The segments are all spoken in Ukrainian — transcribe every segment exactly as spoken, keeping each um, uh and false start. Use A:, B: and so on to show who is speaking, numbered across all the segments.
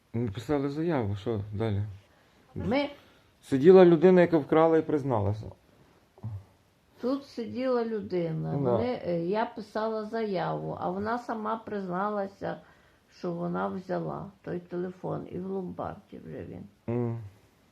A: Написали заяву, що далі?
B: Ми
A: Сиділа людина, яка вкрала і призналася.
B: тут сиділа людина.
A: Да.
B: Вони, е, я писала заяву, а вона сама призналася, що вона взяла той телефон. І в ломбарді вже він.
A: М.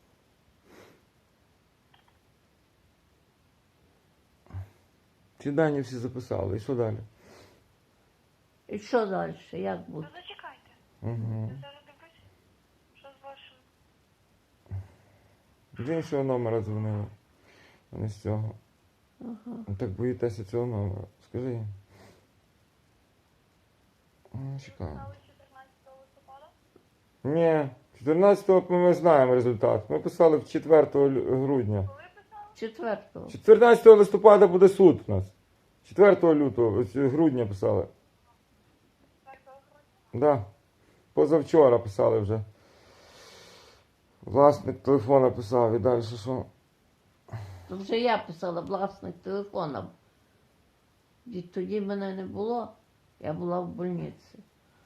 A: Ці дані всі записали. І що далі?
B: І що далі? Як буде?
C: Ну зачекайте.
A: Угу.
C: Я зараз дивлюсь, що з вашим.
A: З іншого номера дзвонила, а не з цього.
B: Ага.
A: Так боїтеся цього номера. Скажи їм. Ну, чекаю.
C: Писали чотирнадцятого листопада?
A: Ні, чотирнадцятого ми знаємо результат. Ми писали в четвертого лю- грудня.
C: Коли писали?
B: Четвертого.
A: чотирнадцятого листопада буде суд у нас. четвертого лютого, ось грудня писали.
C: четвертого грудня?
A: Да. Позавчора писали вже. Власник телефона писав і далі що?
B: То вже я писала власник телефона. І тоді мене не було, я була в больниці.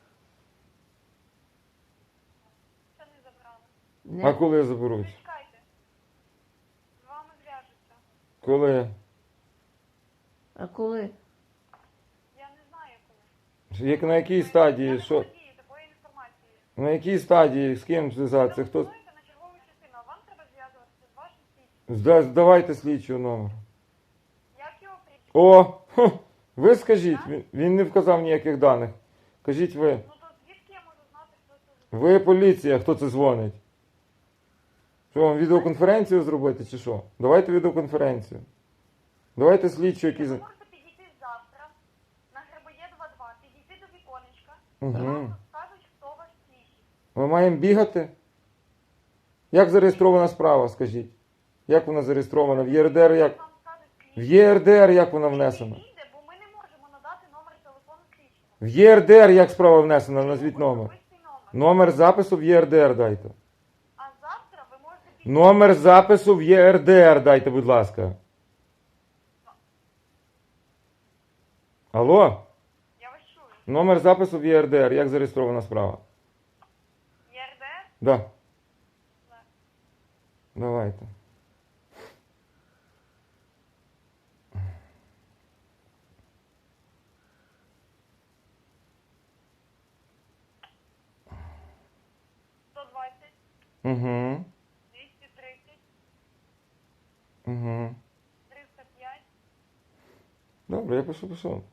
C: Це не забрали.
B: Не...
A: А коли заберуть?
C: Зачекайте. З вами зв'яжуться.
A: Коли?
B: А коли?
C: Я не знаю коли.
A: Як на якій
C: Я
A: стадії?
C: не
A: Що?
C: володію такої інформації.
A: На якій стадії? З ким зв'язатися? Хто?
C: Телефонуйте на чергову частину, а вам треба зв'язуватися з вашим слідчим.
A: Зда- Здавайте слідчого номер.
C: Як його прізвище?
A: О! Хм, ви скажіть, він, він не вказав ніяких даних. Кажіть ви.
C: Ну то звідки я можу знати, хто це за
A: Ви поліція, хто це дзвонить? Що вам відеоконференцію зробити чи що? Давайте відеоконференцію. Давайте слідчу, який...
C: Ви
A: за-
C: можете підійти завтра на Грибоєдова два, підійти до віконечка,
A: Угу.
C: вам скажуть, хто ваш слідчий.
A: Ми маємо бігати? Як зареєстрована справа, скажіть? Як вона зареєстрована? В ЄРДР як?
C: Вам скажуть
A: В
C: слідчий.
A: ЄРДР як вона внесена?
C: Підійде, бо ми не можемо надати номер телефону слідчого.
A: В ЄРДР як справа внесена? Назвіть номер.
C: Особистий номер.
A: Номер запису в ЄРДР дайте.
C: А завтра ви можете підійти.
A: Номер запису в ЄРДР дайте, будь ласка. Алло?
C: Я вас чую.
A: Номер запису в ЄРДР. Як зареєстрована справа?
C: ЄРДР?
A: Да.
C: Да.
A: Давайте.
C: сто двадцять,
A: Угу.
C: двісті тридцять,
A: Угу.
C: триста п'ять,
A: Добре, я пишу, пишу.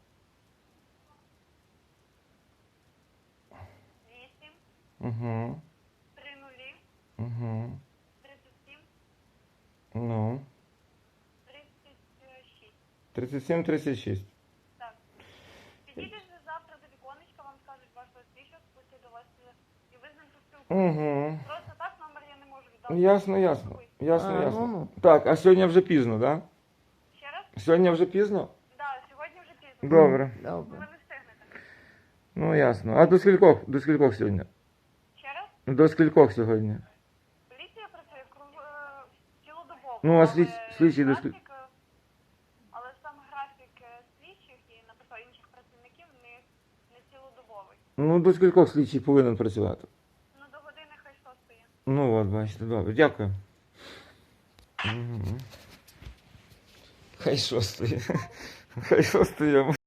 C: вісім,
A: Угу.
C: три нулі,
A: Угу.
C: тридцять сім,
A: Ну.
C: тридцять шість.
A: тридцять сім тридцять шість.
C: Так. Підійдеш ви завтра до віконечка, вам скажуть вашого слідчого, спустять до вас е, і ви з ним поспілкуєтеся.
A: Угу.
C: Просто так номер я не можу віддати.
A: Ясно, ясно. Ясно,
B: А,
A: ясно.
B: ну-ну.
A: Так, а сьогодні вже пізно, так?
C: Ще раз?
A: Да? Сьогодні вже пізно?
C: Так, сьогодні вже пізно.
A: Добре.
C: Ви
B: Добре.
C: не встигнете.
A: Ну, ясно. А до скількох? До скількох сьогодні?
C: Ще раз?
A: До скількох сьогодні?
C: Поліція працює круг, е, цілодобово.
A: Ну, а
C: але
A: слід- слідчий до скіль-
C: графік, е, але сам графік е, слідчих і, наприклад, інших працівників не, не цілодобовий.
A: Ну, до скількох слідчий повинен працювати?
C: Ну, до години хай шостої.
A: Ну, от, бачите, добре. Дякую. Угу. Хай шостої. Хай шостої.